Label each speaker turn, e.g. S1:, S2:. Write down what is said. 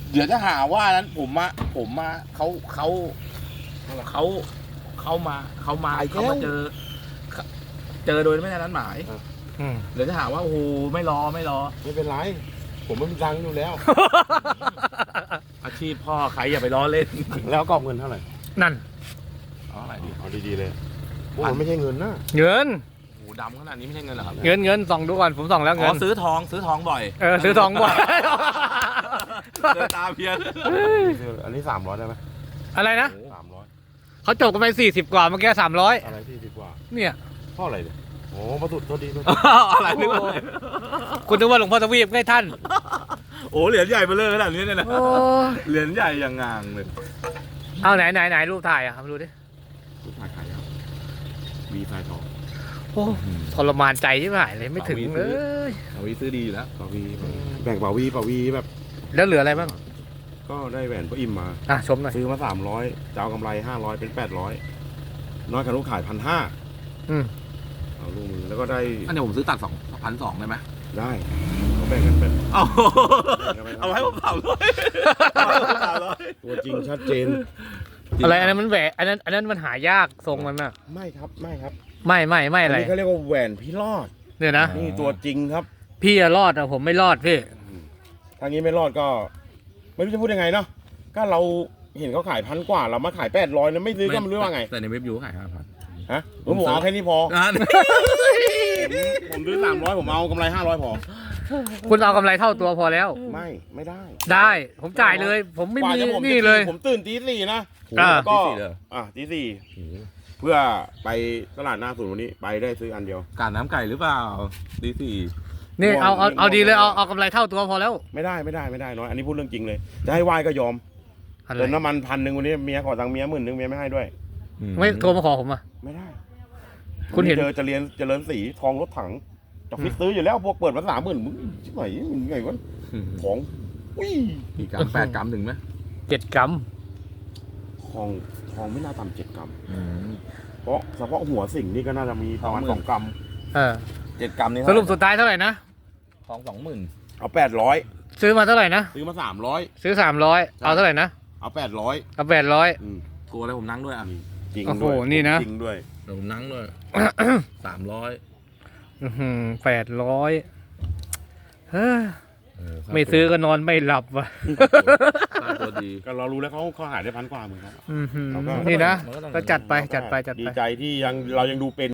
S1: เดี๋ยวจะหาว่านั้นผมมาเขามาเจอโดยไม่ได้นัดหมายเดี๋ยวจะหาว่าโอ้โหไม่รอ
S2: ไม่เป็นไรผมไม่มีตังค์อยู่แล้ว
S1: อาชีพพ่อใครอย่าไปล้อเล่น
S2: แล้วกรอบเงินเท่าไหร่
S3: นั่น
S1: เอาอะไรดี
S2: เอาดีๆเลยโอ้มันไม่ใช่เงินนะ
S3: เงิน
S1: โอ้โหดำขนาดนี้ไม่ใช่เงินเหรอครับ
S3: เงินส่องดูก่อนผมส่องแล้ว
S1: อ๋
S3: เงิ
S1: อน ซื้อทองบ่อย
S3: ซื้อทองบ่อย
S1: เดินตาเพียน
S2: อันนี้300ได้ไหม
S3: อะไรนะ
S2: 300
S3: เขาจบกันไป40 กว่าเมื่อกี้300
S2: อะไรที่ดีกว่า
S3: เนี่ย
S2: เท่าไหร่เนี่ยโอ้ประตูตัวดีตัว
S1: อะไรนึกว่า
S3: คุณนึกว่าหลวงพ่อทวีปให้ท่าน
S1: โอ้เหรียญใหญ่มาเลยขนาดนี้เนี่ยนะ
S3: โอ้
S1: เหรียญใหญ่อย่างงางเลย
S3: เอาไหนรูปถ่ายอ่ะครับดูดิ
S2: ลูกถ่ายขายครับวีไฟทอง
S3: โอ้ทรมานใจที่หายเลยไม่ถึงเลย
S1: เอาวิซื้อดีอยู่แล้ว
S2: ปาวีแบ่งปาวีแบบ
S3: แล้วเหลืออะไรบ้าง
S2: ก็ได้แหวนพระอิมมา
S3: ชมหน่อย
S2: ซื้อมา300จะเอากำไร500เป็น800น้อยกับลูกขาย1,500เอาลูกมือแล้วก็ได้
S1: อันนี้ผมซื้อตัด2,200ได้ไหม
S2: ได้เขาแบ่งกันเป็น
S1: เอาให้ผม300
S2: ตัวจริงชัดเจน
S3: อะไรอันนั้นมันแหวะอันนั้นมันหายากทรงมันอ่ะ
S2: ไม่ครับไม่
S3: ไม่อะไร
S2: นี้เขาเรียกว่าแหวนพี่รอด
S3: เนี่ยนะ
S2: นี่ตัวจริงครับ
S3: พี่อะรอดอะผมไม่รอดพี่
S2: ทางนี้ไม่รอดก็ ไม่รู้จะพูดยังไงเนาะก็เราเห็นเขาขาย1,000 กว่าเรามาขาย800แล้วไม่ซื้อก็ไม่รู้ว่าไง
S1: แต่ในเว็บยูขาย5,000
S2: ฮะผมเอาแค่นี้พอผมซื้อ300ผมเอากำไร500พอ
S3: คุณเอากำไรเท่าตัวพอแล้ว
S2: ไม่ได้
S3: ได้ผมจ่ายเลย ผมไม่
S2: กว่า
S3: มี
S2: จะผม
S3: นี่เลย
S2: ผมตื่นตี 4นะ
S3: อ่า
S2: ก็
S1: ตี 4เลย
S2: ตี 4เพื่อไปตลาดหน้าศูนย์วันนี้ไปได้ซื้ออันเดียว
S1: การน้ำไก่หรือเปล่าตีสี่
S3: นี่เอาดีเลยเอากำไรเท่าตัวพอแล้ว
S2: ไม่ได้น้อยอันนี้พูดเรื่องจริงเลย จะให้ไหว้ก็ยอม
S3: อะไร
S2: เติมน้ำมัน1,000วันนี้เมียขอตังค์เมีย10,000เมียไม่ให้ด้วย
S3: ไม่โทรมาขอผมอ่ะ
S2: ไม่ได้
S3: คุณเห็น
S2: เจริญสีทองรถถังจะฟิตซื้ออยู่แล้วพวกเปิดมา30,000มึงชิบหายมึงไงวะของอุ้ย
S1: กี่กรัม8 กรัมถึงไหม
S3: 7 กรัม
S2: ทองไม่น่าต่ำ7 กรัมเพราะเฉพาะหัวสิ่งนี่ก็น่าจะมีประมาณ2 กรัม
S1: 7 กรัมนี่
S3: สรุปสุดท้ายเท่าไหร่นะ
S1: ทอง20,000
S2: เอา800
S3: ซื้อมาเท่าไหร่นะ
S2: ซื้อมา300
S3: ซื้อ300เอาเท่าไหร่นะ
S2: เอา800
S3: เอา800
S1: กลัวอะไรผมนั่งด้วยอ่ะ
S2: จริง
S3: โอ้โห
S2: ด้วย
S3: นี่นะ
S2: จริงด้วย
S1: เดี๋ยวผมนั่งด้วย300
S3: 800ไม่ซื้อก็นอนไม่หลับว่ะ
S1: ตัวดี
S2: ก็เรารู้แล้วเขาหายได้1,000 กว่าเหมือนกัน
S3: นี่นะ
S1: มันก็ต้อง
S3: ก็จัดไป
S2: ดีใจที่เรายังดูเป็น